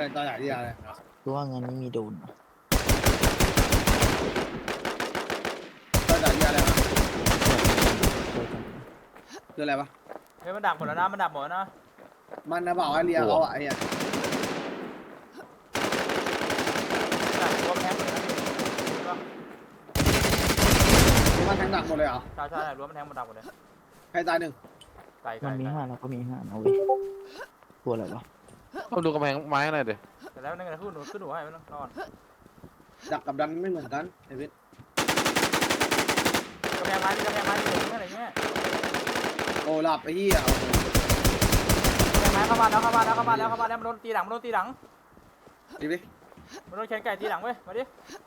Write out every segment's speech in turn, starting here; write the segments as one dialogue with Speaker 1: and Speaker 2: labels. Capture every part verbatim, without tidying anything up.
Speaker 1: ตอนไหนที่อะไร
Speaker 2: รู้ว่างานนี้มีโดน
Speaker 1: ตอนไหนที่อะไรคืออะไรปะ
Speaker 3: เฮ้ยมันดักหมดแล้วนะมันดักหมดแล้วนะ
Speaker 1: มันนะบอกว่าเรียเขาอ่ะไอ้เนี่ย
Speaker 3: ดักรวมแทงหมดแล้วพี่
Speaker 1: มันแทงดักหมดเลยเหรอ
Speaker 3: ใช่ใช่รวมมันแทงมันดักหมดเลย
Speaker 1: ใครตายหนึ่ง
Speaker 3: ไก่ไก่
Speaker 2: มันมีห้าเราก็มีห้าเอาเว้ยตัวอะไรวะ
Speaker 4: ต้องดูกำแพงไม้หน่อยดิ
Speaker 3: แต่แล้วนั่นไงขึ้นหนูขึ้นหนูให้มันนอน
Speaker 1: ดักกับดันไม่เหมือนกันไอ้พิษ
Speaker 3: กระแพงไม้กระแพงไม้เหลืองอะไรเงี้ย
Speaker 1: โอ้หลับไอ้เหี้ย
Speaker 3: กระแพงไม้เข้ามาแล้วเข้ามาแล้วเข้ามาแล้วเข้ามาแล้วมันโดนตีหลังมันโดนตีหลัง
Speaker 1: ดิดิ
Speaker 3: มันโดนแขนไก่ตีหลังเว้ยมาดิ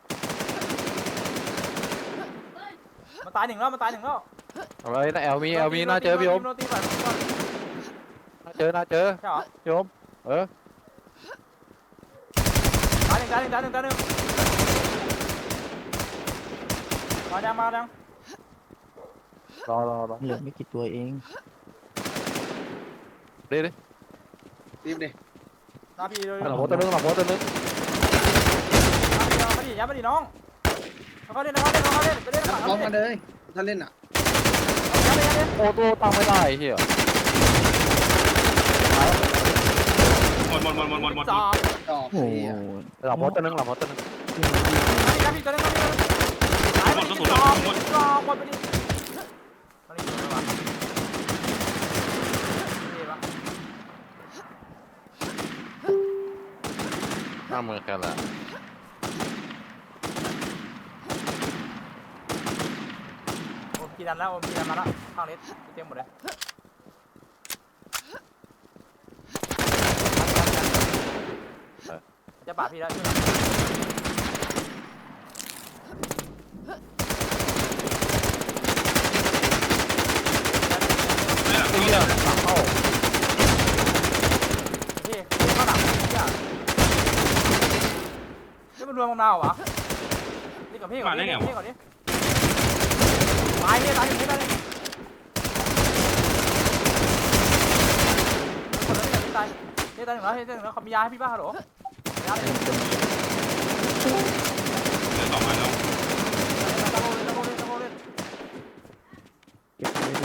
Speaker 3: มันตายหนึ่งแล้วมันตายหนึ่งแล้ว
Speaker 4: เอาไว้นะแอลมีแอลมีน่าเจอพี่โอมน่าเจอน่าเจอ
Speaker 3: ใช่เหรอ
Speaker 4: พี่โอมเออ
Speaker 3: ตายหนึ่งตายหนึ่งตายหนึ่งตายหนึ่งมาดังมาดัง
Speaker 4: รอรอรอ
Speaker 2: เหลือไม่กี่ตัวเอง
Speaker 4: ดิดิ
Speaker 1: ดิดิ
Speaker 3: หน้าพี่เลย
Speaker 4: หลังโพสต์ตัวนึงหลังโพสต์ตัวนึง
Speaker 3: มาดิยับมาดิน้องเขาเล่นเขาเล่นเขาเล่นไปเล่นหลัง
Speaker 1: พร้อมกันเลยถ้าเล่นอ่ะ
Speaker 4: โอ้ตัวตั้งไม่ได้เฮีย
Speaker 5: หมดหมดหมดหมดหมดหมด
Speaker 3: จอบ
Speaker 1: จอบโอ้ย
Speaker 4: หลังโพสต์ตัวนึงหลังโพสต์ตัวนึง
Speaker 3: ยับพี่ตัวนึงยับพี่ตัวนึงจอบจอบหมดไปดิมาดิมาดิ
Speaker 4: หน้ามือกันละ
Speaker 3: โอ้กีดันแล้วโอ้กีดันมาแล้วข้างเล็ดเต็มหมดเลยจะปาดพี่แล้วช่วย
Speaker 4: เฮียหลังเข้า
Speaker 3: พี่ข้างหลังพี่อ่ะนี่มันรวมของเราเหรอนี่กับพี่ก่อนนี่พี่ก่อนนี่ตายนี่ตายอยู่นี่ตายนี่คนละนี่ตายนี่ตายหนึ่งแล้วนี่ตายหนึ่งแล้วเขามียาให้พี่ป่ะฮัลโหลยาเลย
Speaker 5: เหลือสองอันแล้ว
Speaker 3: ตะโกนเลยตะโกนเลยตะโกนเลย
Speaker 2: เก็บไว้ด้วย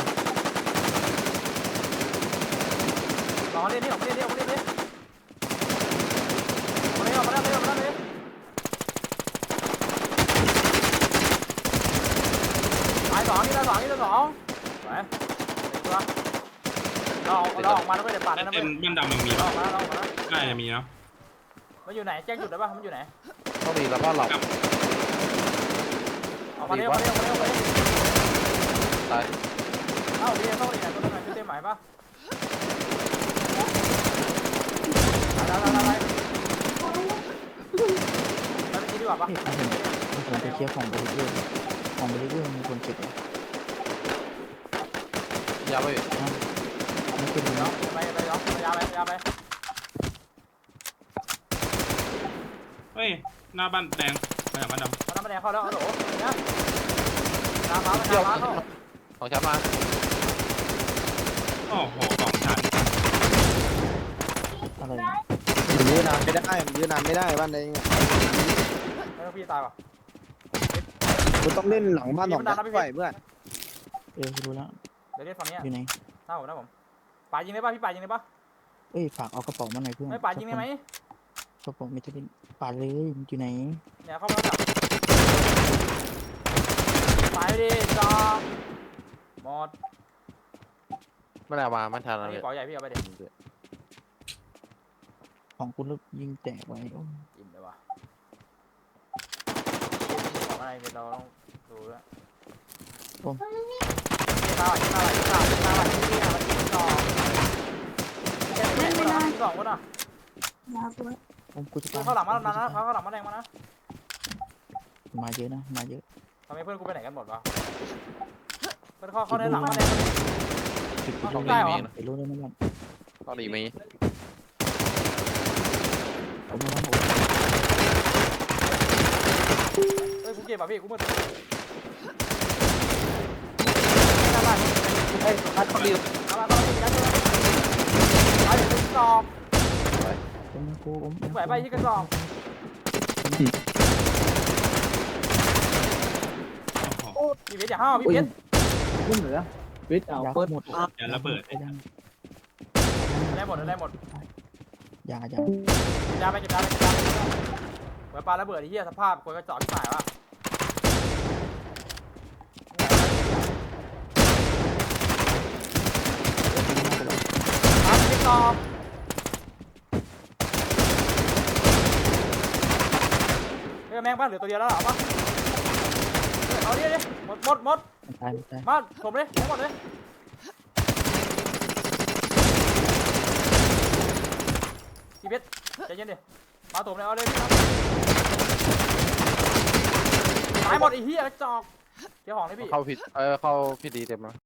Speaker 3: ลองเล่นนี่ออกมาเล่นนี่ออกมาเล่นนี่ออกมาเล่นออกมาเล่นออกมาเล่นออกมาเล่นตายสองนี่ตายสองนี่ตายสองไปตัวเราเราออกมาแล้วไม่ได้ปาดนะ
Speaker 5: เต็
Speaker 3: ไม่
Speaker 5: มบ้านดำยังมี
Speaker 3: เรา
Speaker 5: ป่ะ
Speaker 3: ออกมาเราออกมา
Speaker 5: น่าจะมีเนาะ
Speaker 3: มันอยู่ไหนแจ้งจุดได้ป่ะมันอยู่ไหน
Speaker 4: ต้องมีแล้วก็หลับ
Speaker 3: ออกมาเร็วออกมาเร็วออกมาเร็วออกมาเร็ว
Speaker 4: ตาย
Speaker 3: เอ้าดีเข้าไปไหนตัวนึงไหนเต็มไหมป่ะอะไรอะไรอะไรไปไปกินดีกว่าป่ะ
Speaker 2: เฮ้ยเอาเห็นมีคนไปเคลียร์ของบริเวณของบริเวณมีคนเก็บอ่ะ
Speaker 4: ยาไป
Speaker 2: ไม่เป็นไร
Speaker 3: เนาะ
Speaker 2: เนาะ
Speaker 3: ไปไปเนาะยาไปยาไป
Speaker 5: เฮ้ยหน้าบ้านแดงมาจากบ้านดำ
Speaker 3: มาน้ำแดงเข้าแล้วฮัลโหลเนี่ยน้ำมาน้ำมาเข้า
Speaker 4: ของฉันมา
Speaker 5: โอ้โหสองชั้น
Speaker 2: อะไร
Speaker 1: มันยืนนานไม่ได้มันยืนนานไม่ได้บ้านเอง
Speaker 3: ไม่ต้องพี่ตายป่ะ
Speaker 1: คุณต้องเล่นหลังบ้านสองไฟเพื่อน
Speaker 2: เออรู้แล้ว
Speaker 3: เดี๋ยวเล่นฝั่งนี้
Speaker 2: อยู่ไหน
Speaker 3: หน้าผมหน้าผมป่ายิงได้ป่ะพี่ป่ายิงได้ป่ะ
Speaker 2: เอ้ยฝากเอากระเป๋ามาหน่อยเพื่อน
Speaker 3: ไม่ป่ายิงได้ไหม
Speaker 2: กระเป๋าไม่ได้เล่นป่าเลยมันอยู่ไหน
Speaker 3: เนี่ยเข้ามาแล้วจับไปดิจอมหมด
Speaker 4: ไม่ได้มาไม่ทันอะไร
Speaker 3: นี่ปล่อยใหญ่พี่เอาไปดิ
Speaker 2: ของคุณลูกยิงแตกไว้โอ้
Speaker 3: อิ่มเลยว่ะของอะไรเราต้องดูด้วยตาไหลตาไหลตาไหลตาไหลที่นี่มันยิงต่อไม่ได้ยิงสองคนอ่ะ
Speaker 2: ผมกูจะ
Speaker 3: เข้าหลังมาแล้วนะเข้าหลังมาแดงมานะ
Speaker 2: มาเยอะนะมาเยอะ
Speaker 3: ทำไมเพื่อนกูไปไหนกันหมดวะเพื่อนเข้าเข้าในหลังมาแดง
Speaker 2: ติดไป
Speaker 3: ต้
Speaker 2: รู้
Speaker 3: อง
Speaker 2: เล
Speaker 3: ได้
Speaker 2: ย
Speaker 3: เหรอ
Speaker 2: ไปรู้เลยนะมัน
Speaker 4: ต้องดีมี
Speaker 2: ผมมาโห
Speaker 3: เฮ้ยกูเก็บอ่ะพี่กูมืด
Speaker 1: เฮ้ยพัดเขาดิว
Speaker 3: เอามาต้องยัดเลยเอาเดี๋ยวสอบ
Speaker 2: เป็นกูผม
Speaker 3: ไหวไปที่กระจอก
Speaker 5: โอ้โห
Speaker 3: พี่เบสอย่าห้าวพี่เบส
Speaker 1: ขึ้นเหนือวิทย์เอา
Speaker 2: ยา
Speaker 1: เปิด
Speaker 2: หมด
Speaker 5: อย่าระเบิด
Speaker 3: ได้หมดได้หมด
Speaker 2: ยา
Speaker 3: เ
Speaker 2: ยา
Speaker 3: ก็บยาไปเก็บยาไปเก็บยาไปไหวปลาระเบิดไอ้เหี้ยสภาพคนกระจอกที่หายวะครับพี่ตอบเฮ้ยแมงบ้านเหลือตัวเดียวแล้วเหรอปะเอาดิดิหมดหมดหมด
Speaker 2: ตายตาย
Speaker 3: มาผมเลยทั้งหมดเลยพี่เพชรใจเย็นดิมาถมเลยเอาเลยพี่ครับตายหมดไอ้เหี้ยกระจอกเดี๋ยวของเลยพี่
Speaker 4: เข้าผิดเออเข้าผิดดีเต็มแล้ว